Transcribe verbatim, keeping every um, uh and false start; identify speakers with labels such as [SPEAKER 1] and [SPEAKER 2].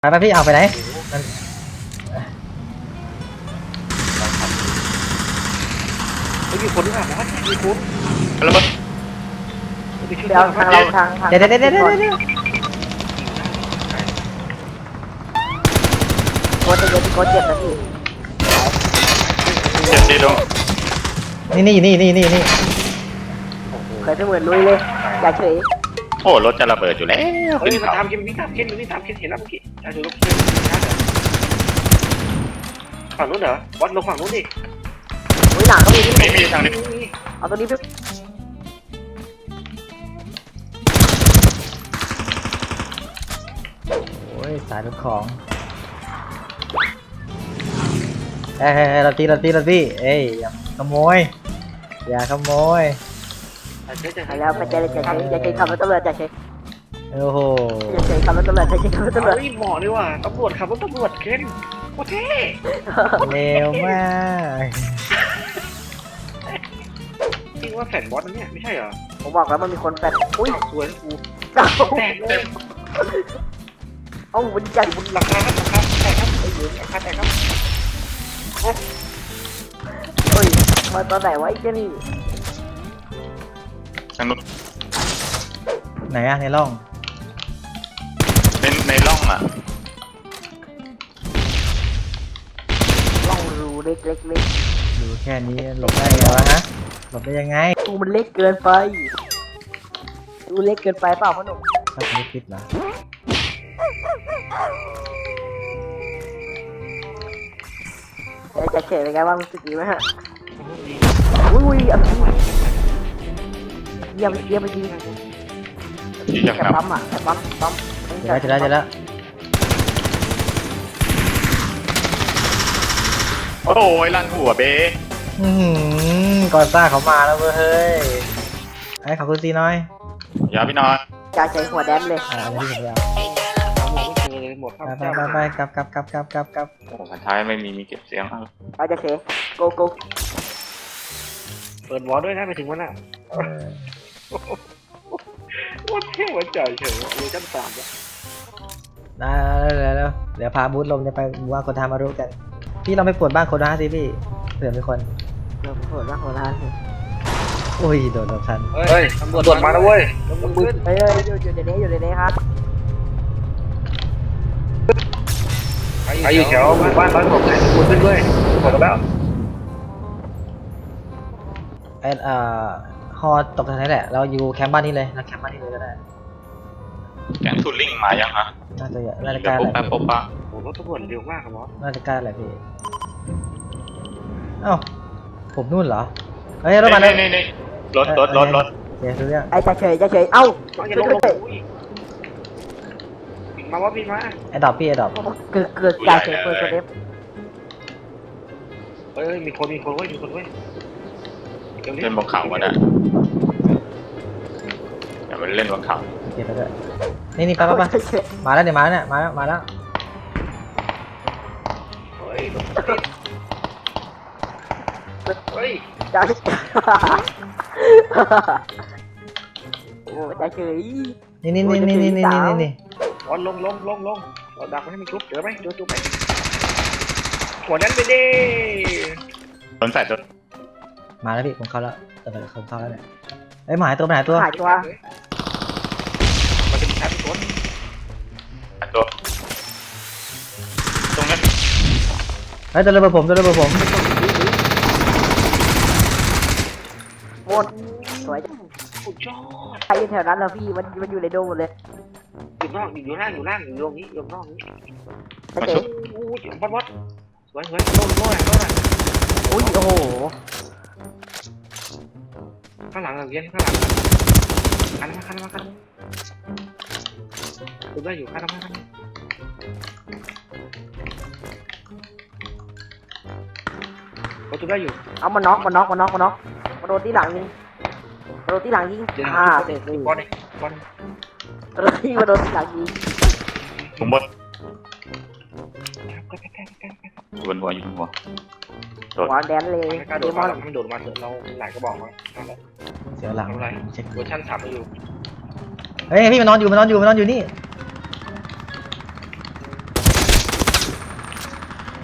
[SPEAKER 1] ไปไปพี่เอาไปไหนมัน
[SPEAKER 2] ไม่มีคนหรือเปล่าบอสมีคน
[SPEAKER 3] แล้วมัน
[SPEAKER 2] ไปช่วย
[SPEAKER 4] เดี๋ยวทางเราทางทาง
[SPEAKER 1] เดี๋ยวเดี๋ยวเดี๋ยวเดี๋ยวเดี๋ยว
[SPEAKER 4] โคตรเยอะโคตรเจ็บนะพี่
[SPEAKER 3] เจ็บดีตรง
[SPEAKER 1] นี่นี่นี่นี่นี่นี่
[SPEAKER 4] เคยไปเหมือนลุยเลยอย่าเฉย
[SPEAKER 3] โอ้รถจะระเบิดอยู่แล้ว
[SPEAKER 2] เฮ้ย
[SPEAKER 3] ขึ้น
[SPEAKER 2] มา
[SPEAKER 3] เขา
[SPEAKER 2] ตามเคนนี่ตามเคนนี่ตามเคนเห็นแล้วเมื่อกี้อ่ะดูรถเคนฝั่งนู้นเหรอบอสลงฝั่งนู้นดิ
[SPEAKER 4] ลุยหลังก็มีที่
[SPEAKER 3] ไม่มีทางนี้
[SPEAKER 4] เอาตัวนี้ไป
[SPEAKER 1] โอ้ยสายรถของเฮ้ยเฮ้ยเฮ้ยเราตีเราตีเราตีเอ้ยอย่าขโมยอย่าขโมย
[SPEAKER 4] ไปแล้วไปเจอจะเฉยอย่าเฉยขับรถตำรวจอย่าเฉย
[SPEAKER 1] โอ้โห
[SPEAKER 4] อย่าเฉยขับรถตำรวจอย่าเฉยขับรถตำรวจ
[SPEAKER 2] เฮ้ยหมอเลยว่ะตำรวจขับรถตำรวจเคนโคตรเท่
[SPEAKER 1] เร็วมาก
[SPEAKER 2] จริงว่าแผ่นบอสนั่นเนี่ยไม่ใช่เหรอ
[SPEAKER 4] ผมบอกแล้วมันมีคนแปดอุ้ย
[SPEAKER 2] สวยนะกู
[SPEAKER 4] เก้า
[SPEAKER 2] แตกเลย
[SPEAKER 4] เอ้ามันใหญ่
[SPEAKER 2] บนหลังคาครับหลังคาแตกครับไอ้เหลืองหลังคาแตกครับ
[SPEAKER 4] เฮ้ยมาตอนไหนวะไอ้เจ้านี่
[SPEAKER 3] ทางนู้น
[SPEAKER 1] ไหนอะในร่อง
[SPEAKER 3] ในในร่องอ่ะ
[SPEAKER 4] ล่องรูเล็กเล็กเล็ก
[SPEAKER 1] ดูแค่นี้หลบได้ไงวะฮะหลบได้ยังไง
[SPEAKER 4] ตูมันเล็กเกินไปดูเล็กเกินไปเปล่าพ่อหนุ่ม
[SPEAKER 1] ถ้าไม่คิดเหรอ
[SPEAKER 4] จะเฉยเป็นไงบ้างรู้สึกดีไหมฮะอุ้ยอันนี้เยี่ยมเยี่ยมจริง
[SPEAKER 3] ที่ยัง
[SPEAKER 4] แต่
[SPEAKER 3] น
[SPEAKER 4] ปั๊มอ่ะแต่ปั๊มปั๊ม
[SPEAKER 1] เดี๋ยวแล้วเดี๋ยวแล้วเดี๋ยวแล้ว
[SPEAKER 3] ำโอ้ยลั่นหัวเบ้
[SPEAKER 1] อือหือกอซ่าเขามาแล้วเว้ยเฮ้ยไอ้ขอบคุณซีน้อย
[SPEAKER 3] อย่าพี่น้อย
[SPEAKER 4] จ่าใช้หัวแดนเลย
[SPEAKER 1] อ่าอันนี้ที่ผมจะเอา
[SPEAKER 2] หมอไม่เจอเลยหมดครับ
[SPEAKER 1] ไปไปไปกลับกลับกลับกลับกลับกลับ
[SPEAKER 3] โอ้พันท้ายไม่มีมีเก็บเสียงเอา
[SPEAKER 4] เราจะเชโกโก
[SPEAKER 2] เปิดวอลด้วยนะไปถึงวันน่ะ
[SPEAKER 1] เออ
[SPEAKER 2] โคตรเท่หัวใจเฉยเลยชั้นสามแล้ว
[SPEAKER 1] ได้แล้วแล้วเดี๋ยวพาบูธลมจะไปบูว่าคนทามารุกัน พี่เราไปปวดบ้านคนนะสิพี่เผื่อมีคน
[SPEAKER 4] เราโหดมากโหดร้านเลย
[SPEAKER 1] อุ้ยโดนโดนทัน
[SPEAKER 2] เฮ้ยตำรวจมาแล้วเว้ยตำรวจขึ้น
[SPEAKER 4] เฮ้ยอยู่อยู่ในนี้อยู่ในนี้ครับ
[SPEAKER 2] ใครอยู่แถวบ้านร้อยหกไหนคุณขึ้นด้วยหมดแล้ว
[SPEAKER 1] ไอ้เอ่อฮอตกทางนี้แหละเราอยู่แคมป์บ้านนี้เลยนะแคมป์บ้านนี้เลยก็ได้
[SPEAKER 3] แกงทูลิ่งมายังฮะ
[SPEAKER 1] น่าจะน่าจะ
[SPEAKER 3] เดี๋
[SPEAKER 1] ก
[SPEAKER 3] ยว
[SPEAKER 1] ล้า
[SPEAKER 3] ปุ๊บ
[SPEAKER 1] แหละ
[SPEAKER 3] แป๊บปุ๊บปะ
[SPEAKER 2] โอ้รถตำรวจเร็วมากครับบอส
[SPEAKER 1] น่าจะกล้าแหละพี่เอ้าผมนู่นเหรอเฮ้ยรถมาเล
[SPEAKER 3] นี่
[SPEAKER 1] ย
[SPEAKER 3] นี่นี่รถรถรถรถ
[SPEAKER 1] เดี๋ยวดูเรื่อง
[SPEAKER 4] ไอ้จ่าเฉยจ่าเฉยเอ้า
[SPEAKER 2] อย่า
[SPEAKER 4] ช่วย
[SPEAKER 2] ลงล
[SPEAKER 4] ด้วย
[SPEAKER 2] งมาว่าพี่มา
[SPEAKER 1] ไอ้ดอกพี่ไอ้ดอก
[SPEAKER 4] เกิดเกิดจ่าเฉยเปิดตัวเล็บ
[SPEAKER 2] เอ้ยมีคนมีคนเว้ยมีคนเว้ย
[SPEAKER 3] เล่นบนเขาวะเนี่ยเดี๋ยวมันเล่นบนเขา
[SPEAKER 1] เก็บไปด้วยนี่นี่ไปไปไปมาแล้วเดี๋ยวมาแล้วเนี่ยมาแล้วมาแล้ว
[SPEAKER 2] เฮ้ยรถติดเฮ้ย
[SPEAKER 4] จ่าโอ้จ่าเฉย
[SPEAKER 1] นี่นี่นี่นี่นี่นี่นี่นี่
[SPEAKER 2] บอลลงลงลงลงเราดักมันให้มันชุบเจอไหมเจอจุ๊บไหมหัวนั้นไปดิ
[SPEAKER 3] โดนใส่ตัว
[SPEAKER 1] มาแล้วพี่ผมเข้าแล้วแต่เดี๋ยวผมเข้าแล้วเนี่ยเอ้ยหมายตัวหมายตัว
[SPEAKER 4] หายตัว
[SPEAKER 2] มันจะมีชาร์จคน
[SPEAKER 3] ตัวตรงนั้น
[SPEAKER 1] เฮ้ยตัวระเบิดผมตัวระเบิดผม
[SPEAKER 4] หมดสวย
[SPEAKER 2] สุดยอด
[SPEAKER 4] ใครอยู่แถวนั้นแล้วพี่มันมันอยู่ในโดมหมดเลย
[SPEAKER 2] อยู่นอกอยู่ล่างอยู่ล่างอยู่ตรงนี้อยู่นอกนี้
[SPEAKER 4] จ่าเฉย
[SPEAKER 2] อู้ยบอสบอสสวยสวยโน่นโน่นโน่น
[SPEAKER 4] อุ้ยโอ้โห
[SPEAKER 2] ข้างหลังเรียนข้างหลังคันมาคันมาคันดูได้อยู่คันมาคันประตูได้อยู่
[SPEAKER 4] เอามาน็อกมาน็อกมาน็อกมาน็อกมาโดนที่หลังยิงมาโดนที่หลังยิง
[SPEAKER 2] เดี๋ยว
[SPEAKER 4] อ่า
[SPEAKER 2] เตะ
[SPEAKER 4] เตะ
[SPEAKER 2] บอลเลยบอล
[SPEAKER 4] มาโดนที่มาโดนที่หลังยิง
[SPEAKER 3] ผมบน
[SPEAKER 2] ก็แค่แค่แค่แค่
[SPEAKER 3] อยู่บนหัวอยู่บนหัว
[SPEAKER 4] หัวแดนเลย
[SPEAKER 2] ไม่กล้าโด
[SPEAKER 4] เด
[SPEAKER 2] ด
[SPEAKER 4] ม
[SPEAKER 2] มา
[SPEAKER 4] อน
[SPEAKER 2] หรอกมันโดดมาเถอะเราหลายกระบอกมานั่นแหละ
[SPEAKER 1] เสียวหลัง
[SPEAKER 2] ทำไร
[SPEAKER 1] เช็ค
[SPEAKER 2] เวอร์ชันสามมาอยู่
[SPEAKER 1] เฮ้ยพี่มันนอนอยู่มันนอนอยู่มันนอนอยู่นี่